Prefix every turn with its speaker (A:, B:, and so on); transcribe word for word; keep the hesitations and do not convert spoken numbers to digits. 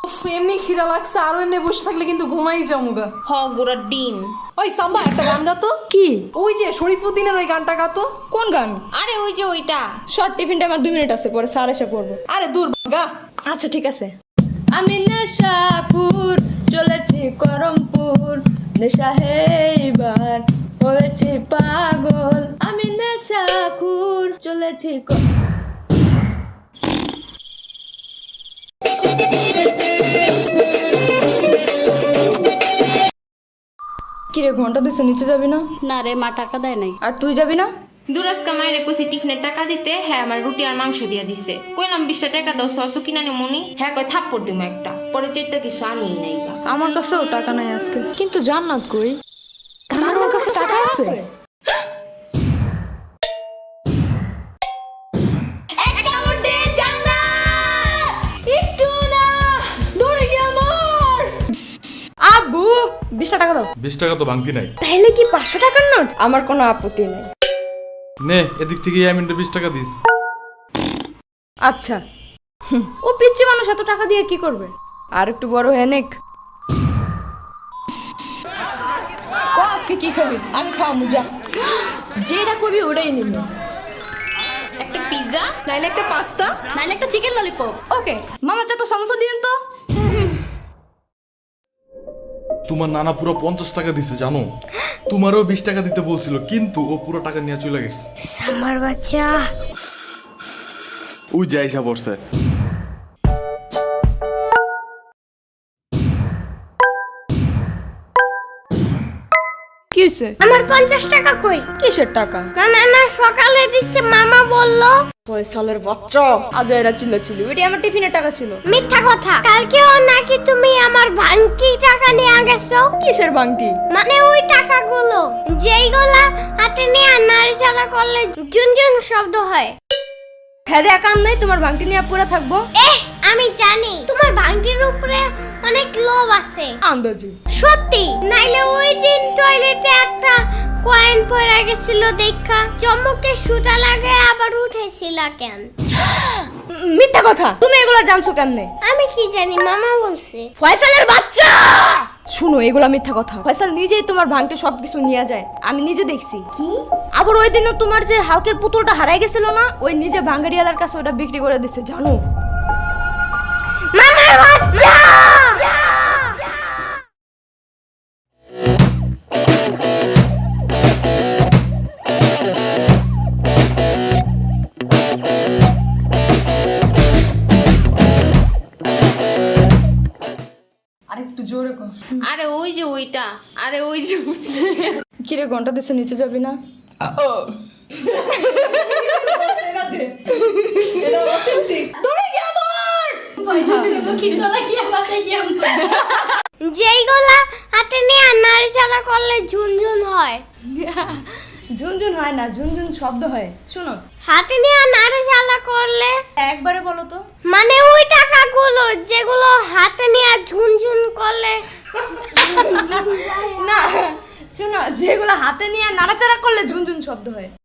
A: এমনি খিদা লাগছে, আরো এমনি বসে থাকলে কিন্তু ঘুমাই যামুগা।
B: হ গোড়া ডিম।
A: ওই সাম্বা একটা গান গাতো।
C: কি?
A: ওই যে শরীফুদ্দিনের ওই গানটা গাতো।
C: কোন গান?
B: আরে ওই যে ওইটা।
C: শর্ট টিফিনটা আমার দুই মিনিট আছে, পরে স্যার এসে পড়বো।
A: আরে দূর গা।
C: আচ্ছা ঠিক আছে। আমি নেশাপুর চলেছি করমপুর, নেশা হেইবার হয়েছি পাগল। আমি নেশাখুর চলেছি ক- কিরে ঘন্টা দিছে, নিচে যাবি না?
D: না রে, মা টাকা দেয় নাই।
C: আর তুই যাবি না?
B: দুরাজকা মায়ের কইছি টিফিনের টাকা দিতে, হ্যাঁ আমার রুটি আর মাংস দিয়া দিছে। কইলাম বিশটা টাকা দাও সস কিনা নি মনি, হ্যাঁ কই থাপ্পড় দিমু একটা। পরে চেষ্টা কিছু আনিই নাই গা।
C: আমার কাছেও টাকা নাই আজকে। কিন্তু জান্নাত কই? তার ওর কাছে টাকা আছে। আব্বু বিশ টাকা দাও।
E: বিশ টাকা তো ভাঙতি নাই।
C: তাহলে কি পাঁচশো টাকার নোট? আমার কোনো আপত্তি নাই।
E: নে এদিক থেকে ইয়ামিনটা বিশ টাকা দিস।
C: আচ্ছা। হুম, ও পিচ্ছি মানুষ, এত টাকা দিয়ে কি করবে? আর একটু বড় হয়ে নেক। ক আজকে কি খাবি? আমি খাওয়া মুজা। যেটা কবি ওটাই নিবি।
B: একটা পিৎজা
A: নাইলে একটা পাস্তা,
D: নাইলে একটা চিকেন ললিপপ।
C: ওকে মামা চারটা সমস্যা দিন তো।
E: তোমার নানা পুরো পঞ্চাশ টাকা দিছে জানো। তোমারও বিশ টাকা দিতে বলছিল, কিন্তু ও পুরো টাকা নিয়ে চলে গেছে।
D: আমার বাচ্চা।
E: ওই যাইসা পড়ছে।
C: কি হয়েছে?
F: আমার পঞ্চাশ টাকা কই?
C: কিসের টাকা?
F: না না না, সকালে দিচ্ছে, মামা বললো।
C: ফয়সালের বাচ্চা আজ এরা চিল্লাচিল্লি, ওইটা আমার টিফিনের টাকা ছিল।
F: মিথ্যা কথা, কালকেও নাকি তুমি আমার ভাঙতি টাকা নিয়ে গেছো।
C: কিসের বাংটি?
F: মানে ওই টাকাগুলো যেইগুলা হাতে নিয়ে নাড়াচাড়া করলে জুনজুন শব্দ হয়।
C: খেদে কাম নাই, তোমার বাংটি নিয়ে পড়ে থাকবো?
F: এহ, আমি জানি তোমার ভাঙতির উপরে অনেক লোভ আছে।
C: আন্দাজি।
F: সত্যি, নাইলে ওই দিন টয়লেটে একটা কয়েন পড়ে গেছিল দেখা চমকে সুতা লাগে আবার উঠেছিলা কেন?
C: মিথ্যা কথা, তুমি এগুলা জানছো কেমনে?
F: আমি কি জানি, মামা বলছে।
C: ফয়সালের বাচ্চা শুনো, এগুলা মিথ্যা কথা। ফয়সাল নিজেই তোমার ভাঙতে সবকিছু নিয়ে যায়, আমি নিজে দেখছি।
F: কি?
C: আবার ওই দিনও তোমার যে হালকের পুতুলটা হারাই গেছিল না, ওই নিজে ভাঙ্গারিয়ালার কাছে ওটা বিক্রি করে দিছে, জানো?
F: মামার বাচ্চা!
C: আর একটু জোরে কর।
B: আরে ওই যে ওইটা। আরে ওই যে
C: কিরে ঘন্টা দিছে, নিচে যাবি না?
F: যেইগুলা হাতে নিয়ে নাড়াচাড়া করলে ঝুনঝুন হয়।
C: ঝুনঝুন হয় না, ঝুনঝুন শব্দ হয়। শুনো,
F: হাতে নিয়ে নাড়াচাড়া করলে
C: একবারে বলো তো।
F: মানে ওই টাকাগুলো যেগুলো হাতে নিয়ে ঝুনঝুন করলে।
C: না, শুনো, যেগুলো হাতে নিয়ে নাড়াচাড়া করলে ঝুনঝুন শব্দ হয়।